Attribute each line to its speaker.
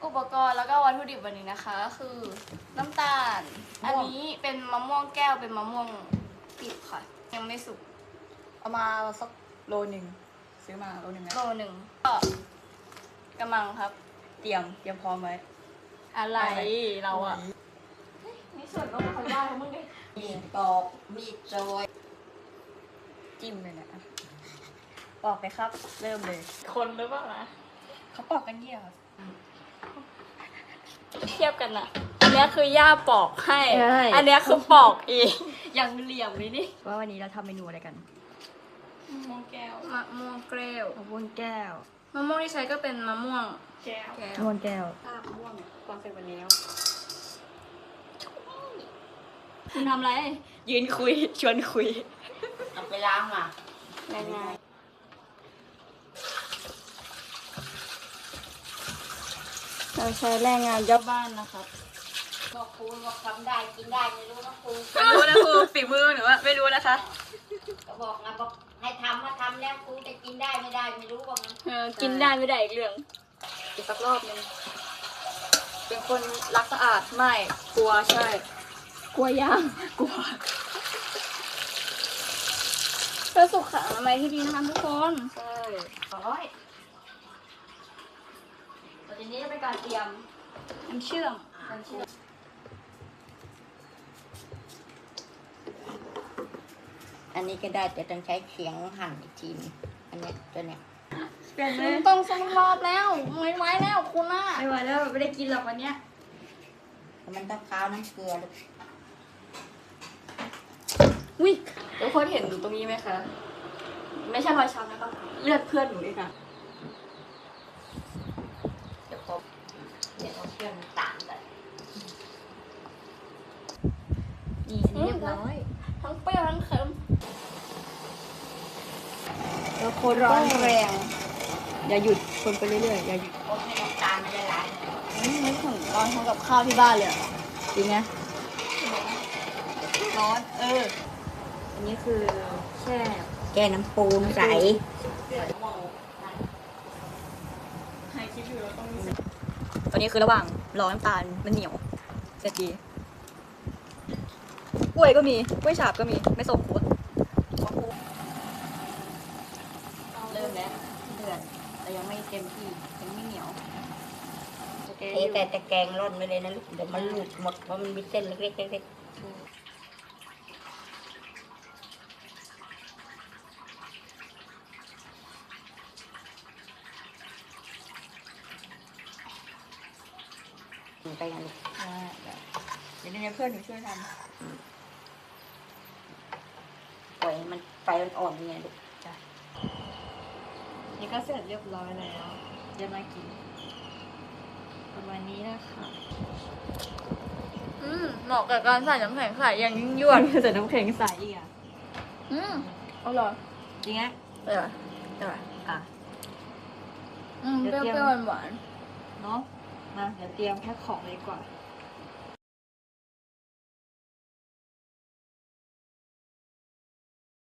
Speaker 1: อุปกรณ์แล้วก็วัตถุดิบวันนี้นะคะก็คือน้ำตาล อันนี้เป็นมะม่วงแก้วเป็นมะม่วงดิบค่ะ ยังไม่สุก
Speaker 2: เอามาสักโลหนึ่งซื้อมาโลหนึ่งนะ
Speaker 1: โลหนึ่งก็กำลังครับ
Speaker 2: เตรียมพร้อมไว้
Speaker 1: อะไรเราอะนี่ส่วนลดเขาได้ทั้งมึงดิ
Speaker 3: มีดปอกมีดโจย
Speaker 2: จิ้มเลยนะปอกเลยครับ เริ่มเลย
Speaker 1: คนหรือเปล่านะ
Speaker 2: เขาปอกกันเยี่ยครับ
Speaker 1: เทียบกันนะอันเนี้ยคือย่าปอกให้
Speaker 2: ใช่
Speaker 1: อันเนี้ยคือปอกเองอย่างเหลี่ยมเลยนี่
Speaker 2: ว่าวันนี้เราทำเมนูอะไรกัน
Speaker 1: มะม่วงแก้วมะม่วงแก้ว
Speaker 2: มะม่วงแก้ว
Speaker 1: มะม่วงที่ใช้ก็เป็นมะม่วงแก้ว
Speaker 2: มะม่วงแก้ว
Speaker 3: ภาพม่วงความเป็นวันนี้แล้ว
Speaker 1: คุณทำอะไร
Speaker 2: ยืนคุย ชวนคุย
Speaker 3: เอาไปล้างมา
Speaker 1: ง่ายๆเราใช้แรงงานเจ้าบ้านนะครับ
Speaker 3: บอกครูบอกทำได้กินได้ไม่รู้นะครู
Speaker 2: ไม่รู้นะครูฝีมือหรือว่าไม่รู้นะคะ
Speaker 3: ก็บอกนะบอกให้ทำมาทำแล้วครูจะกินได้ไม่ได้ไม่รู้ว่ามัน
Speaker 1: กินได้ไม่ได้อีกเรื่อง
Speaker 2: อีกสักรอบหนึงเป็นคนรักสะอาดไม่กลัวใช่
Speaker 1: กลัวย่าง
Speaker 2: กลัว
Speaker 1: เพื่อสุขอนามัยที่ดีนะคะทุกคน
Speaker 2: ใช่
Speaker 3: ร้อยต่อจากนี้จะเป็นการเตรียม
Speaker 1: น้ำเชื่อม
Speaker 3: อันนี้ก็ได้แต่ต้องใช้เขียงหั่นอีกทีนึงอันเนี้ยตัวเนี้ย
Speaker 2: เปลี่ยนเล
Speaker 1: คุ
Speaker 2: ย
Speaker 1: ณต้องสกรอบแล้วไม่ไหวแล้วคุณน่ะ
Speaker 2: ไม่ไหวแล้วไม่ได้กินหรอกวันเนี้ย
Speaker 3: แต่มันต้องข้าวน้ำเกลือลูก
Speaker 2: วิทุกคนเห็นตรงนี้ไหมคะ ไม่ใช่รอยช้ำนะคะเลือดเพื่อนหนูเองค่ะ
Speaker 3: เดี๋ยวผมเดี๋ยวเอาเครื่องตามเลย
Speaker 2: นี่อันนี้เรียบร้อย
Speaker 1: ทั้งเปรี้ยวทั้งเค็ม
Speaker 2: แล้วคนร้อนแรง อย่าหยุดคนไปเรื่อยๆอย่าหยุด
Speaker 3: คนให้น้ำตาลมันละลาย
Speaker 1: นึกถึงตอนทำกับข้าวที่บ้านเลยอะ
Speaker 2: จริงไหมร้อนอันนี้คือแช่
Speaker 3: แก้น้ำปูนใส
Speaker 2: ตอนนี้คือระหว่างรอน้ำตาลมันเหนียวเสร็จดีกล้วยก็มีกล้วยฉาบก็มีไม่ส่งครัวเริ่มแล้วเดือดแต่ยังไม่เต็มที่ยังไม่เหนียวโอเค
Speaker 3: เทแต่ตะแกรงร่อนไปเลยนะลูกเดี๋ยวมันหลุดหมดเพราะมันมีเส้นเล็กๆเล็กๆไปกันลูก
Speaker 2: เดี๋ยวนี้เพื่อนหนูช่วยท
Speaker 3: ปล่อยให้มันไฟอ่อนๆเนี่ยลูก
Speaker 2: ำนี่ก็เสร็จเรียบร้อยแล้วเดี๋ยวมากินประมาณนี้นะคะ
Speaker 1: เหมาะกับการใส่น้ำแข็งใส่อย่างยิ่งยวด
Speaker 2: ใส่น้ำแข็งใสอีกอ่ะ
Speaker 1: อร่อย
Speaker 2: จริงอ่ะ
Speaker 1: อร่อยอร่อย
Speaker 2: อ่ะ
Speaker 1: เปรี้ยวๆหวาน
Speaker 2: เนาะมาเดี๋ยวเตรียมแพ็คของเลยดีกว่า
Speaker 1: ๆ